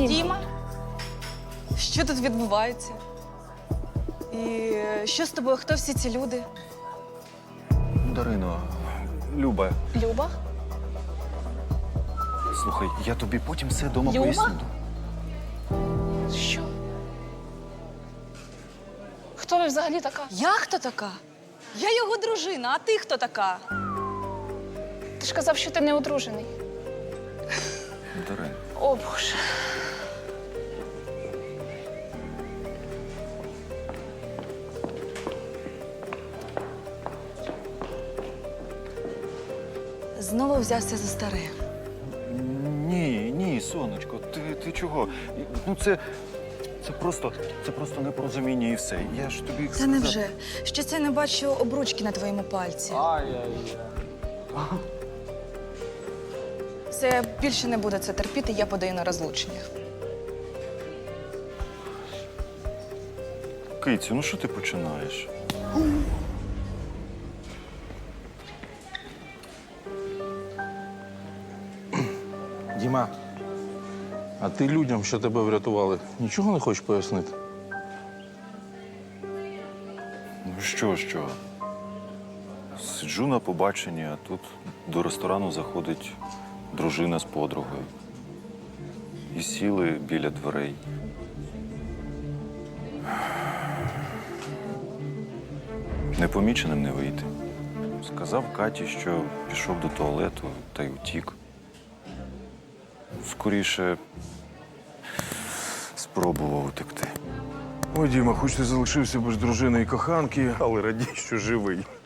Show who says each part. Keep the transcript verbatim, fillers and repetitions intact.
Speaker 1: Дім.
Speaker 2: Діма? Що тут відбувається? І що з тобою? Хто всі ці люди?
Speaker 3: Дарино, Люба,
Speaker 2: Люба?
Speaker 3: слухай, я тобі потім все дома
Speaker 2: Люба?
Speaker 3: поясню.
Speaker 1: Що? Хто ви взагалі така?
Speaker 2: Я хто така? Я його дружина, а ти хто така?
Speaker 1: Ти ж казав, що ти не одружений.
Speaker 3: Дарин,
Speaker 1: О, Боже.
Speaker 2: Знову взявся за старе.
Speaker 3: ні, ні, сонечко, ти, ти чого? Ну це, це просто, це просто непорозуміння і все. Я ж тобі
Speaker 2: Та
Speaker 3: сказав.
Speaker 2: невже? Що це я не бачу обручки на твоєму пальці? Все, я більше не буду це терпіти, я подаю на розлучення.
Speaker 3: Кицю, ну що ти починаєш?
Speaker 4: Діма, а ти людям, що тебе врятували, нічого не хочеш пояснити?
Speaker 3: Ну що, що? Сиджу на побаченні, а тут до ресторану заходить дружина з подругою. І сіли біля дверей. Непоміченим не вийти. Сказав Каті, що пішов до туалету та й утік. Скоріше спробував утекти.
Speaker 5: Ой, Діма, хоч ти залишився без дружини і коханки, але радій, що живий.